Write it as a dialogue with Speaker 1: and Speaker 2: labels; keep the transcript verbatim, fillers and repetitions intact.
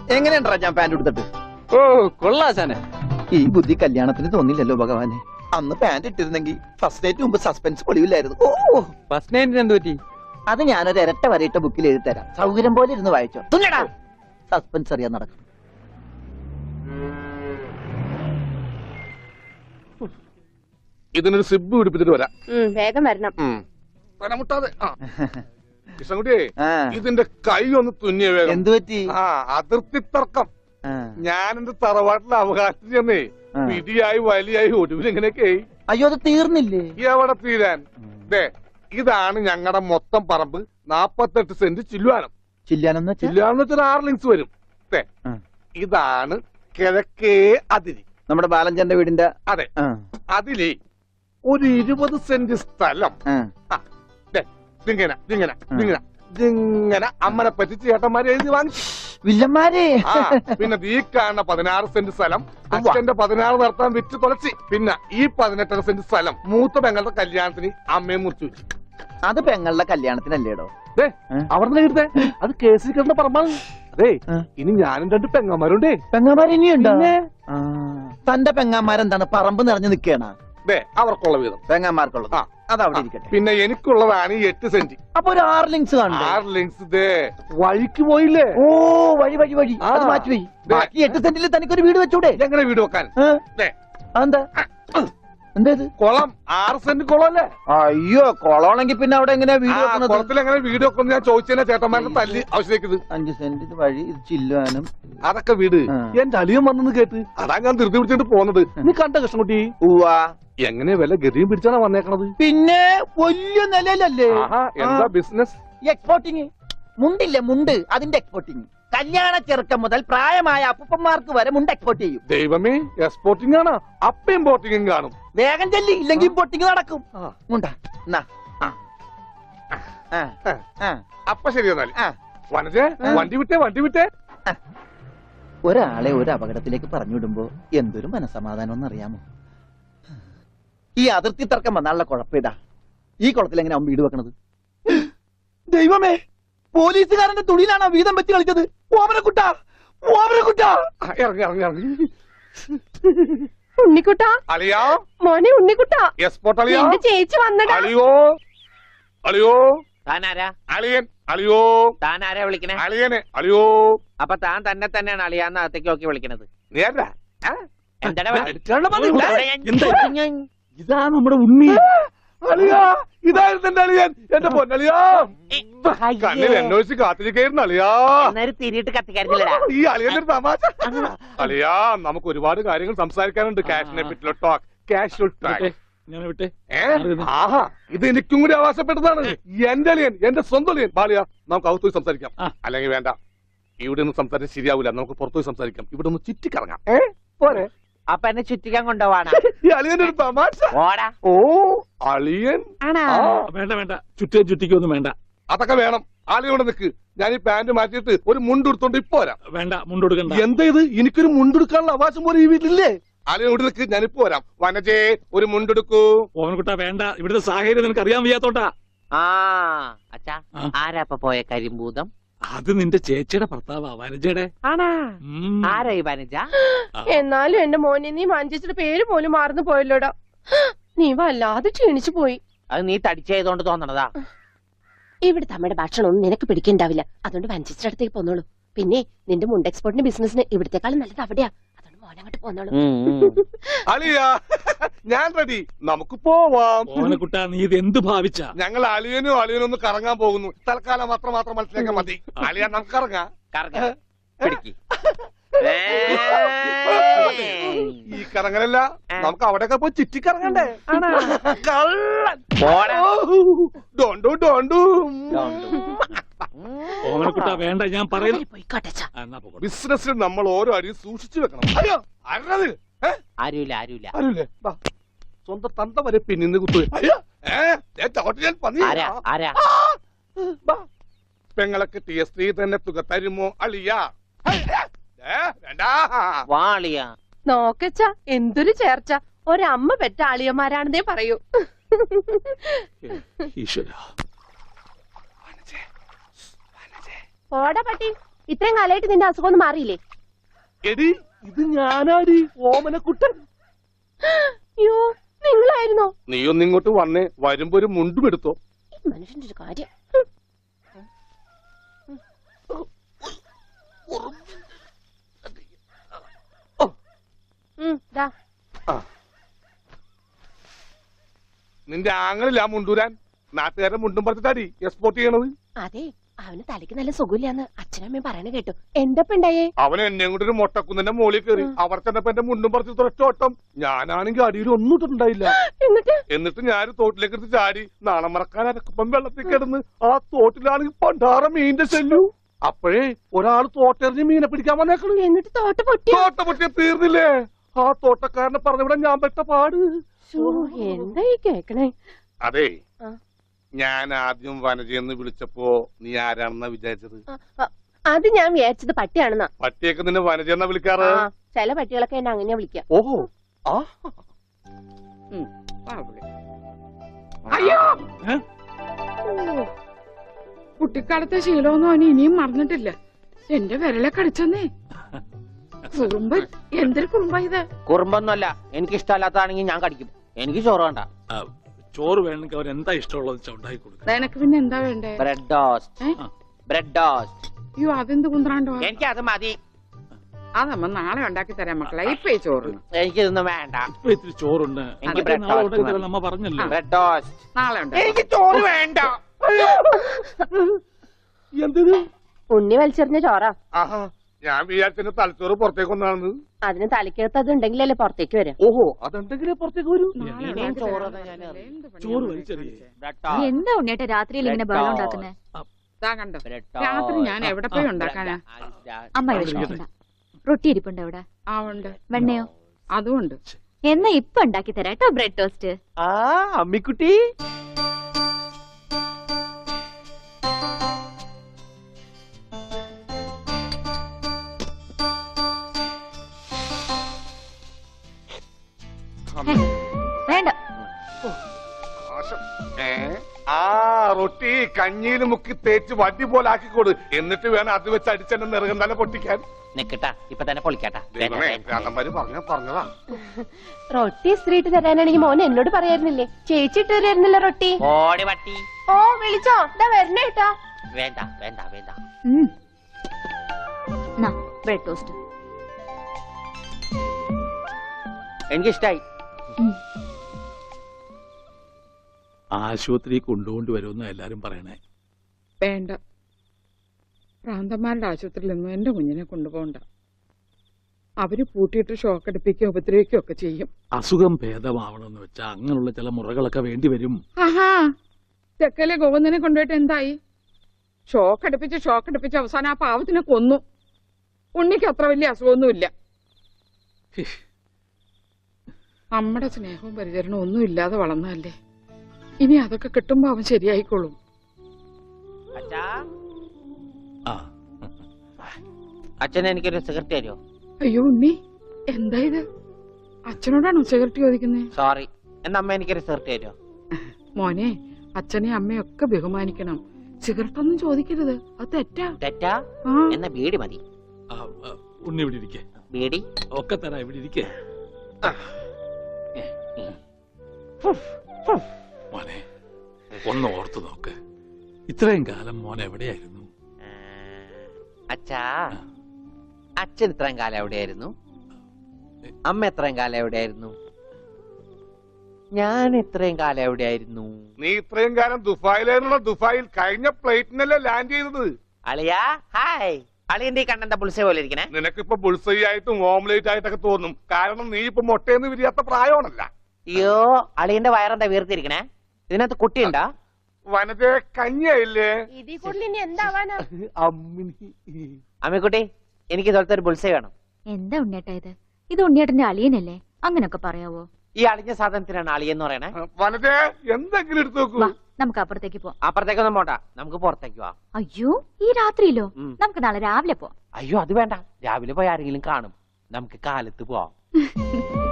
Speaker 1: എങ്ങനെയുണ്ടാ ഞാൻ പാന്റ് എടുത്തിട്ട്?
Speaker 2: ഓ കൊള്ളാശാനെ.
Speaker 1: ഈ ബുദ്ധി കല്യാണത്തിന് തോന്നില്ലല്ലോ ഭഗവാനെ. അന്ന് പാന്റ് ഇട്ടിരുന്നെങ്കിൽ ഫസ്റ്റ് നൈറ്റ് മുമ്പ് സസ്പെൻസ് പൊളിവില്ലായിരുന്നു. ഓ
Speaker 2: ഫസ്റ്റ് നൈറ്റിന് എന്ത് പറ്റി?
Speaker 1: അത് ഞാനൊരു ഇരട്ട വരയിട്ട ബുക്കിൽ എഴുതി തരാം. സൗകര്യം പോലെ ഇരുന്ന് വായിച്ചോ. തുന്നടാ സസ്പെൻസ് അറിയാൻ നടക്കും.
Speaker 3: ഇതിനൊരു സിബ് പിടിപ്പിച്ചിട്ട് വരാം.
Speaker 4: വേഗം വരണം.
Speaker 3: മുട്ടാതെ കൃഷ്ണൻകുട്ടിയെ ഇതിന്റെ കൈ ഒന്ന് തുന്നിയ വേഗം.
Speaker 1: എന്തു പറ്റി?
Speaker 3: ആ അതിർത്തി തർക്കം. ഞാൻ എന്റെ തറവാട്ടിലെ അവകാശം ചെന്നേ പിടിയായി വലിയായി ഒടുവിൽ ഇങ്ങനെയൊക്കെ.
Speaker 1: അയ്യോ അത് തീർന്നില്ലേ?
Speaker 3: എവിടെ തീരാൻ? ദേ ഇതാണ് ഞങ്ങളുടെ മൊത്തം പറമ്പ്. നാപ്പത്തെട്ട് സെന്റ് ചില്ലുവാനം.
Speaker 1: ചില്ലാനം
Speaker 3: ചില്ലുവാനം വെച്ചാൽ ആറ് ലിങ്സ് വരും. ഇതാണ് കിഴക്കേ അതിരി.
Speaker 1: നമ്മുടെ ബാലഞ്ചന്റെ വീടിന്റെ.
Speaker 3: അതെ. അതിലേ ഒരു ഇരുപത് സെന്റ് സ്ഥലം ഇങ്ങനെ ഇങ്ങനെ ഇങ്ങനെ ഇങ്ങനെ അമ്മനെ പറ്റിച്ച് ചേട്ടന്മാരെ എഴുതി വാങ്ങിച്ചു.
Speaker 1: വില്ലന്മാരെ.
Speaker 3: പിന്നെ ഈ കാണുന്ന പതിനാറ് സെന്റ് സ്ഥലം അച്ഛന്റെ പതിനാറ് നടത്താൻ വിറ്റ് തുളച്ചി. പിന്നെ ഈ പതിനെട്ടര സെന്റ് സ്ഥലം മൂത്ത പെങ്ങളുടെ കല്യാണത്തിന് അമ്മയെ മുറിച്ചു വെച്ചു.
Speaker 1: അത് പെങ്ങളുടെ കല്യാണത്തിനല്ലേടോ?
Speaker 3: അവിടെ എടുത്തേ അത് കേസിൽ കിടന്ന പറമ്പാണ്. അതെ ഇനി ഞാനും രണ്ട് പെങ്ങന്മാരുണ്ടേ.
Speaker 1: പെങ്ങന്മാർ ഇനിയുണ്ടോ? തന്റെ പെങ്ങന്മാരെന്താണ് പറമ്പ് നിറഞ്ഞു നിൽക്കണ?
Speaker 3: അവർക്കുള്ള വീതം
Speaker 1: പെങ്ങന്മാർക്കുള്ളത് അതവിടെ ഇരിക്കട്ടെ.
Speaker 3: പിന്നെ എനിക്കുള്ളതാണ് ഈ എട്ട് സെന്റ്.
Speaker 1: അപ്പൊ ഒരു ആറ് ലിങ്സ് കാണും.
Speaker 3: ആറ് ലിങ്സ് ദേ വഴിക്ക് പോയില്ലേ?
Speaker 1: ഓ വഴി വഴി വഴി അത് മാറ്റി പോയി. ബാക്കി എട്ട് സെന്റിൽ തനിക്കൊരു വീട് വെച്ചൂടെ?
Speaker 3: എങ്ങനെ വീട് വെക്കാൻ?
Speaker 1: എന്താ എന്തേത്?
Speaker 3: കുളം. ആറ് സെന്റ് കുളം അല്ലേ?
Speaker 1: അയ്യോ കുളമാണെങ്കിൽ പിന്നെ അവിടെ എങ്ങനെയാ വീട് വെക്കുന്നത്?
Speaker 3: കുളത്തിൽ എങ്ങനെ വീട് വെക്കുന്നത് ഞാൻ ചോദിച്ചതിനെ ചേട്ടന്മാരുടെ തല്ലി ആവശ്യത്തേക്ക്.
Speaker 1: അഞ്ച് സെന്റ് വഴി ഇത് ചില്ലുവാനും
Speaker 3: അതൊക്കെ വീട്. എന്റെ അളിയൻ വന്നെന്ന് കേട്ട് അതാ ഞാൻ ധൃതി പിടിച്ചിട്ട് പോന്നത്. നീ കണ്ട കൃഷ്ണൻകുട്ടി?
Speaker 1: ഉവ്വാ.
Speaker 3: എങ്ങനെ വില ഗതിയും പിടിച്ചാണ് വന്നേക്കണത്?
Speaker 1: പിന്നെ വലിയ നിലയിലല്ലേ?
Speaker 3: എന്താ ബിസിനസ്?
Speaker 1: എക്സ്പോർട്ടിങ്. മുണ്ടില്ലേ മുണ്ട്, അതിന്റെ എക്സ്പോർട്ടിങ്. കല്യാണ ചെറുക്കം മുതൽ പ്രായമായ അപ്പൂപ്പന്മാർക്ക് വരെ മുണ്ട് എക്സ്പോർട്ട് ചെയ്യും.
Speaker 3: ദൈവമേ എക്സ്പോർട്ടിംഗ് ആണ്. അപ്പ ഇമ്പോർട്ടിംഗും കാണും.
Speaker 1: വേഗം ചെല്ലി, ഇല്ലെങ്കിൽ ഇമ്പോർട്ടിംഗ് നടക്കും. മുണ്ടാ
Speaker 3: അപ്പ ശരി എന്നാല് വനജേ വണ്ടി വിട്ടേ വണ്ടി വിട്ടേ.
Speaker 1: ഒരാളെ ഒരു അപകടത്തിലേക്ക് പറഞ്ഞുവിടുമ്പോ എന്തൊരു മനസമാധാനം എന്നറിയാമോ? ഈ അതിർത്തി തർക്കം വന്നാലുള്ള കുഴപ്പമിതാ. ഈ കുളത്തിൽ എങ്ങനെ അവൻ വീട് വെക്കണത്? ദൈവമേ, പോലീസുകാരന്റെ തുണിയിലാണ് വീതം വെച്ച് കളിച്ചത്. ഓമനക്കുട്ട ഓമനക്കുട്ട
Speaker 3: ഇറങ്ങി ഇറങ്ങി ഇറങ്ങി.
Speaker 4: ഉണ്ണിക്കുട്ട
Speaker 3: അളിയാ
Speaker 4: മോനെ ഉണ്ണിക്കുട്ട.
Speaker 3: എക്സ്പോർട്ട് അളിയാ.
Speaker 4: ചേച്ചി വന്നടാ.
Speaker 3: അളിയോ അളിയോ
Speaker 5: താനാരാ?
Speaker 3: അളിയൻ. അളിയോ
Speaker 5: താനാരാ വിളിക്കണേ?
Speaker 3: അളിയനെ. അളിയോ.
Speaker 5: അപ്പൊ താൻ തന്നെ തന്നെയാണ് അളിയാന്ന് അകത്തേക്ക് നോക്കി വിളിക്കണത്?
Speaker 3: നേരാ.
Speaker 2: ഇതാ നമ്മുടെ ഉണ്ണി.
Speaker 3: അളിയാ ഇതായിരുന്നു എന്റെ അളിയൻ. എന്റെ പൊന്നളിയാ കണ്ണിൽ അന്വേഷിച്ച് കാത്തിരിക്കായിരുന്നു അളിയാ.
Speaker 5: തിരിയിട്ട് കത്തിക്കാരില്ലടാ
Speaker 3: ഈ അളിയന്റെ തമാശ. അളിയാ നമുക്ക് ഒരുപാട് കാര്യങ്ങൾ സംസാരിക്കാനുണ്ട്. ക്യാഷിനെ പറ്റിയുള്ള ടോക്ക്. Casual talk. ആഹാ ഇത് എനിക്കും കൂടി അവകാശപ്പെട്ടതാണ്. എന്റെ അളിയൻ, എന്റെ സ്വന്തം അളിയൻ. ബാലിയ നമുക്ക് അകത്തു പോയി സംസാരിക്കാം. അല്ലെങ്കിൽ വേണ്ട, ഇവിടെ ഒന്നും സംസാരിച്ച് ശരിയാവില്ല. നമുക്ക് പുറത്തുപോയി സംസാരിക്കാം. ഇവിടെ ഒന്ന് ചുറ്റിക്കറങ്ങാം. ഏ പോരെ?
Speaker 5: അപ്പൊ എന്നെ ചുറ്റിക്കാൻ കൊണ്ടുപോവാണ്.
Speaker 3: ഈ അളിയന്റെ ഒരു തമാശ. ഓ അളിയൻ.
Speaker 2: വേണ്ട വേണ്ട, ചുറ്റേ ചുറ്റിക്കൊന്നും വേണ്ട.
Speaker 3: അതൊക്കെ വേണം. ആളിയോടെ നിൽക്ക്. ഞാൻ ഈ പാന്റ് മാറ്റിയിട്ട് ഒരു മുണ്ടെടുത്തോണ്ട് ഇപ്പൊ വരാം.
Speaker 2: വേണ്ട, മുണ്ടെടുക്കണ്ട.
Speaker 3: എന്താ ഇത്? എനിക്കൊരു മുണ്ടെടുക്കാനുള്ള അവകാശം പോലെ ഈ വീട്ടിലില്ലേ? ആളിയോട് നിൽക്ക്, ഞാനിപ്പോ വരാം. വനജേ ഒരു മുണ്ടെടുക്കൂ.
Speaker 2: ഓമനക്കുട്ടാ വേണ്ട, ഇവിടുത്തെ സാഹചര്യം നിനക്ക് അറിയാൻ വയ്യാത്തോട്ടാ.
Speaker 5: ആ അച്ഛാ, ആരാ ഇപ്പൊ പോയ കരിമ്പൂതം?
Speaker 2: അത് നിന്റെ ചേച്ചിയുടെ ഭർത്താവാ, വനജയുടെ.
Speaker 5: ആണാ? ആരാ ഈ വനജ?
Speaker 4: എന്നാലും എന്റെ മോനെ നീ മഞ്ചേച്ചിയുടെ പേര് പോലും മാറുന്നു പോയല്ലോടാ. നീ വല്ലാതെ ക്ഷീണിച്ചു പോയി.
Speaker 5: അത് നീ തടിച്ചതുകൊണ്ട് തോന്നണതാ.
Speaker 4: ഇവിടുത്തെ അമ്മയുടെ ഭക്ഷണം ഒന്നും നിനക്ക് പിടിക്കണ്ടാവില്ല. അതുകൊണ്ട് മഞ്ചേച്ചിയുടെ അടുത്തേക്ക് പോന്നോളൂ. പിന്നെ നിന്റെ മുണ്ട് എക്സ്പോർട്ടിന്റെ ബിസിനസിന് ഇവിടത്തെക്കാളും നല്ലത് അവിടെയാ. അതുകൊണ്ട് മോനങ്ങോട്ട് പോന്നോളൂ.
Speaker 3: അളിയാ ഞാൻ റെഡി, നമുക്ക് പോവാം.
Speaker 2: ഓമനക്കുട്ടാ നീ ഇത് എന്ത് ഭാവിച്ച?
Speaker 3: ഞങ്ങൾ അളിയനും അളിയനും ഒന്ന് കറങ്ങാൻ പോകുന്നു. തൽക്കാലം മാത്രം മാത്രം മനസ്സിലാക്കാൻ മതി. അളിയാ നമുക്ക് ഇറങ്ങാം. ഈ കറങ്ങലല്ല, നമുക്ക് അവിടെയൊക്കെ പോയി ചുറ്റിക്കറങ്ങണ്ടേ? ഡോണ്ടു ഡോണ്ടു.
Speaker 2: ഓമനക്കുട്ടാ വേണ്ട, ഞാൻ പറയുന്നു.
Speaker 3: ബിസിനസ്സിൽ നമ്മൾ ഓരോ അടിയും സൂക്ഷിച്ചു വെക്കണം. അയ്യോ ആരുന്നത്?
Speaker 5: ആരുമില്ല ആരുമില്ല
Speaker 3: ആരുമില്ലേ? സ്വന്തം തന്ത വരെ പിന്നിന്ന് കുത്തു. പെങ്ങളൊക്കെ ടി എസ് ത്രീ തന്നെ തുക തരുമോ അളിയാ?
Speaker 4: നോക്കച്ച എന്തൊരു ചേർച്ച. ഒരമ്മ പെറ്റ ആളിയന്മാരാണെന്നേ പറയൂ. ഓടാ പട്ടി, ഇത്രയും കാലമായിട്ട് നിന്റെ അസുഖം ഒന്നും മാറിയില്ലേ?
Speaker 3: എടി ഇത് ഞാനാടി ഓമനക്കുട്ടൻ.
Speaker 4: അയ്യോ നിങ്ങളായിരുന്നോ?
Speaker 3: നീ ഒന്ന് ഇങ്ങോട്ട് വന്നേ, വരുമ്പോ ഒരു മുണ്ടും എടുത്തോ.
Speaker 4: ഈ മനുഷ്യന്റെ ഒരു കാര്യം. ഉം, ദാ.
Speaker 3: നിന്റെ ആങ്ങളില്ല മുണ്ടൂരാൻ, നാട്ടുകാരെ മുണ്ടും പറിച്ചിട്ടാടി എക്സ്പോർട്ട് ചെയ്യണത്.
Speaker 4: അതെ, അവന് തലയ്ക്ക് നല്ല സുഖമില്ലാന്ന് അച്ഛനമ്മയും പറയണ കേട്ടു. എന്തപ്പ ഉണ്ടായേ?
Speaker 3: അവൻ എന്നെ കൊണ്ട് ഒരു മൊട്ടക്കുന്നിന്റെ മോളിൽ കയറി അവർ ചെന്നപ്പോ എന്റെ മുണ്ടും പറിച്ച് തുറച്ച ഓട്ടം. ഞാനാണെങ്കിൽ അടിയിൽ ഒന്നും ഇട്ടിട്ടുണ്ടായില്ല.
Speaker 4: എന്നിട്ട്
Speaker 3: എന്നിട്ട് ഞാൻ തോട്ടിലേക്ക് എടുത്ത് ചാടി നാണം മറക്കാൻ അരക്കപ്പം വെള്ളത്തിൽ കിടന്ന് ആ തോട്ടിലാണെങ്കിൽ പണ്ടാറ മീനിന്റെ ചെല്ലു. അപ്പോഴേ ഒരാൾ തോട്ടെറിഞ്ഞ് മീനെ പിടിക്കാൻ വന്നേക്കണു.
Speaker 4: എന്നിട്ട് തോട്ട പൊട്ടി.
Speaker 3: തോട്ട പൊട്ടിയ തീർന്നില്ലേ? ആ തോട്ടക്കാരനെ പറഞ്ഞവിടെ ഞാൻ പെട്ട പാട്.
Speaker 4: എന്താ ഈ കേക്കണേ?
Speaker 3: അതെ,
Speaker 4: ആ.
Speaker 3: ഞാൻ ആദ്യം വനജയെന്ന് വിളിച്ചപ്പോ നീ ആരാണെന്നാ വിചാരിച്ചത്?
Speaker 4: ആ, ആ, അത് ഞാൻ വിചാരിച്ചത് പട്ടിയാണെന്നാ.
Speaker 3: പട്ടിയൊക്കെ നിന്നെ വനജയെന്നാ വിളിക്കാറ്?
Speaker 4: ആ, ചില പട്ടികളൊക്കെ എന്നെ അങ്ങനെയാ വിളിക്കാം.
Speaker 3: ഓഹോ. ആ
Speaker 6: അയ്യോ കുട്ടിക്കാലത്തെ ശീലമൊന്നും അവന് ഇനിയും മറന്നിട്ടില്ല. എന്റെ വിരലെ കടിച്ചെന്നേ. കുറുമ്പ്, എന്തൊരു കുറുമ്പ ഇത്?
Speaker 5: കുറുമ്പൊന്നുമല്ല, എനിക്ക് ഇഷ്ടമല്ലാത്തതാണെങ്കിൽ ഞാൻ കടിക്കും. എനിക്ക് ചോറ് വേണ്ട.
Speaker 2: ആ, ചോറ് വേണമെങ്കിൽ അവർ എന്താ ഇഷ്ടമുള്ളത് വെച്ചാൽ ഉണ്ടാക്കി കൊടുക്കുക.
Speaker 6: നിനക്ക് പിന്നെ എന്താ വേണ്ടേ?
Speaker 5: Bread toast.
Speaker 6: ഏ?
Speaker 5: Bread toast.
Speaker 6: അയ്യോ അതെന്ത് കുന്ത്രാണ്ടോ?
Speaker 5: എനിക്ക് അത് മതി.
Speaker 6: അതമ്മ നാളെ ഉണ്ടാക്കി തരാം മക്കളെ. ഇപ്പൊ ഈ ചോറ്
Speaker 5: എനിക്കിതൊന്നും വേണ്ട.
Speaker 2: ഇപ്പൊ ഇത്തിരി ചോറുണ്ട്,
Speaker 5: എനിക്ക്
Speaker 2: അതൊക്കെ
Speaker 5: bread
Speaker 2: നാളെ
Speaker 5: toast
Speaker 2: ഉണ്ടാക്കി
Speaker 5: മതി.
Speaker 2: തരാം, നമ്മ പറഞ്ഞല്ലോ.
Speaker 5: Bread toast.
Speaker 6: നാളെ ഉണ്ടാക്കി.
Speaker 5: എനിക്ക് ചോറ് വേണ്ട.
Speaker 3: എന്തിന്?
Speaker 4: ഉണ്ണി വലിച്ചെറിഞ്ഞ ചോറാ.
Speaker 3: ആഹാ, ഞാൻ വിചാരിച്ചെന്റെ തലച്ചോറ് പുറത്തേക്ക് ഒന്നാണെന്ന്.
Speaker 4: അതിന് തലയ്ക്കകത്ത് അത് ഉണ്ടെങ്കിലല്ലേ പുറത്തേക്ക് വരാം.
Speaker 3: ഓഹോ, അതെന്തെങ്കിലും പുറത്തേക്ക് വരൂ.
Speaker 6: നാളെ
Speaker 5: ഇനിയും
Speaker 6: ഉണ്ടാക്കി
Speaker 5: ചോറ്
Speaker 6: തരാം.
Speaker 5: ഞാൻ അറിയും.
Speaker 6: എന്ത് പണിയാ
Speaker 2: ചോറ്
Speaker 6: മോനെ
Speaker 2: വലിച്ചെറിയേ.
Speaker 6: കാണിച്ചേ?
Speaker 5: Bread toast.
Speaker 7: എന്താ ഉണ്ണിയേട്ടാ രാത്രിയിൽ ഇങ്ങനെ ബഹളം ഉണ്ടാക്കുന്നേ?
Speaker 6: ദാ കണ്ടോ,
Speaker 5: ബ്രെഡ്
Speaker 6: രാത്രി
Speaker 5: ടോസ്റ്റ്.
Speaker 6: ഞാൻ എവിടെ പോയി ഉണ്ടാക്കാനാ?
Speaker 7: അമ്മ വിഷമിക്കണ്ട. റൊട്ടി ഇരിപ്പുണ്ട് അവിടെ.
Speaker 6: ആ ഉണ്ട്,
Speaker 7: വെണ്ണയോ?
Speaker 6: അതും ഉണ്ട്.
Speaker 7: എന്നാ ഇപ്പൊ ഉണ്ടാക്കി തരാം കേട്ടോ ബ്രെഡ് ടോസ്റ്റ്.
Speaker 5: ആ അമ്മിക്കുട്ടി.
Speaker 7: വേണ്ട.
Speaker 3: ആശം. ഏ? ആ റൊട്ടി കഞ്ഞിയിൽ മുക്കി തേച്ച് വടി പോലെ ആക്കിക്കോട്. എന്നിട്ട് വേണം അത് വെച്ച് അടിച്ചെന്നെ നിറകം തന്നെ പൊട്ടിക്കാൻ.
Speaker 5: നിക്കട്ടാ, ഇപ്പൊ തന്നെ പൊളിക്കട്ടാ.
Speaker 3: ദൈവമേ, ഭ്രാന്തന്മാര് പറഞ്ഞ പറഞ്ഞതാ.
Speaker 4: റൊട്ടി സ്ത്രീട്ട് തരാനാണെങ്കിൽ മോൻ എന്നോട് പറയായിരുന്നില്ലേ? ചേച്ചി ഇട്ട് തരായിരുന്നില്ല റൊട്ടി.
Speaker 5: ഓടി പട്ടി.
Speaker 4: ഓ വിളിച്ചോ, ഇതാ വരണേട്ടാ.
Speaker 5: വേണ്ട വേണ്ട വേണ്ട.
Speaker 7: ഉം. നാ ബ്രെഡ് ടോസ്റ്റ്.
Speaker 5: എനിക്കിഷ്ടായി.
Speaker 7: ഉം.
Speaker 2: ആശുപത്രി കൊണ്ടുകൊണ്ട് വരുമെന്ന് എല്ലാരും പറയണേ.
Speaker 6: വേണ്ട, പ്രാന്തന്മാരുടെ ആശുപത്രിയിൽ നിന്നും എന്റെ കുഞ്ഞിനെ കൊണ്ടുപോകണ്ട. അവര് പൂട്ടിയിട്ട് ഷോക്ക് അടിപ്പിക്കുകയോ ഉപദ്രവിക്കുകയോ ഒക്കെ ചെയ്യും.
Speaker 2: അസുഖം ഭേദമാവണമെന്ന് വെച്ചാൽ അങ്ങനെയുള്ള ചില മുറകളൊക്കെ വേണ്ടി വരും.
Speaker 6: ആഹാ, തെക്കലെ ഗോവിന്ദനെ കൊണ്ടുപോയിട്ട് എന്തായി? ഷോക്ക് അടുപ്പിച്ച് ഷോക്ക് അടുപ്പിച്ച് അവസാനം ആ പാവത്തിനെ കൊന്നു. ഉണ്ണിക്ക് അത്ര വലിയ അസുഖമൊന്നുമില്ല. നമ്മുടെ സ്നേഹവും പരിചരണവും ഒന്നും ഇല്ലാതെ വളർന്നതല്ലേ. ഇനി അതൊക്കെ കിട്ടുമ്പോ അവൻ ശരിയായിക്കോളും.
Speaker 5: അച്ഛാ,
Speaker 2: ആ,
Speaker 5: അച്ഛൻ എനിക്കൊരു സിഗരറ്റ് തരുമോ?
Speaker 6: അയ്യോ ഉണ്ണി, എന്താ ഇത്? അച്ഛനോടാണോ സിഗരറ്റ് ചോദിക്കുന്നേ?
Speaker 5: സോറി. എന്നാ അമ്മ എനിക്കൊരു സിഗരറ്റ് തരുമോ?
Speaker 6: മോനെ, അച്ഛനെ അമ്മയൊക്കെ ബഹുമാനിക്കണം. സിഗരറ്റ് ഒന്നും ചോദിക്കരുത്, അത് തെറ്റാ.
Speaker 5: തെറ്റാ?
Speaker 6: ആ,
Speaker 5: എന്നാ ബീഡി മതി.
Speaker 2: ആ, ആ, ഉണ്ണി ഇവിടെ ഇരിക്കേ.
Speaker 5: ബീഡി.
Speaker 2: ഒക്കെ തരാം, ഇവിടെ ഇരിക്കേ. മോനെ ഒന്ന് ഓർത്തു നോക്ക്, ഇത്രയും കാലം മോൻ എവിടെയായിരുന്നു?
Speaker 5: അച്ഛാ, അച്ഛൻ ഇത്രയും കാലം എവിടെയായിരുന്നു? അമ്മ എത്രയും കാലം എവിടെയായിരുന്നു? ഞാൻ ഇത്രയും കാലം എവിടെയായിരുന്നു?
Speaker 3: നീ ഇത്രയും കാലം ദുബായിലായിരുന്നുള്ള ദുബായിൽ കഴിഞ്ഞ പ്ലേറ്റിനല്ലേ ലാൻഡ് ചെയ്തത്.
Speaker 5: അളിയാ ഹായ്. അളിയന്റെ ഈ കണ്ണന്റെ പുളിസ പോലെ ഇരിക്കണേ.
Speaker 3: നിനക്കിപ്പോ ബുൾസൈ ആയിട്ടും ഓംലേറ്റ് ആയിട്ടൊക്കെ തോന്നും. കാരണം നീ ഇപ്പൊ മുട്ടയെന്ന് വിരിയാത്ത പ്രായമാണല്ല.
Speaker 5: അയ്യോ, അളിയന്റെ വയറെന്താ വീർത്തിരിക്കണേ? ഇതിനകത്ത് കുട്ടിയുണ്ടാ?
Speaker 3: വനജ കഞ്ഞിയായില്ലേ?
Speaker 4: ഇതിൽ കൂടുതൽ ഇനി എന്താവാനാ?
Speaker 5: അമ്മിക്കുട്ടി, എനിക്ക് ഇതുപോലത്തെ ഒരു ബുൾസൈ വേണം.
Speaker 7: എന്താ ഉണ്ണിയേട്ടാ ഇത്? ഇത് ഉണ്ണിയേട്ടന്റെ അളിയനല്ലേ? അങ്ങനൊക്കെ പറയാവോ?
Speaker 5: ഈ അളിഞ്ഞ സാധനത്തിനാണ് അളിയെന്ന് പറയണേ.
Speaker 3: വനജ എന്തെങ്കിലും എടുത്തു നോക്കൂ.
Speaker 7: വാ, നമുക്ക് അപ്പുറത്തേക്ക് പോവാം.
Speaker 5: അപ്പുറത്തേക്കൊന്നും പോണ്ട, നമുക്ക് പുറത്തേക്ക് പോവാം.
Speaker 7: അയ്യോ, ഈ രാത്രിയിലോ?
Speaker 5: ഉം.
Speaker 7: നമുക്ക് നാളെ രാവിലെ പോവാം.
Speaker 5: അയ്യോ അത് വേണ്ട, രാവിലെ പോയി ആരെങ്കിലും കാണും. നമുക്ക് കാലത്ത് പോവാം.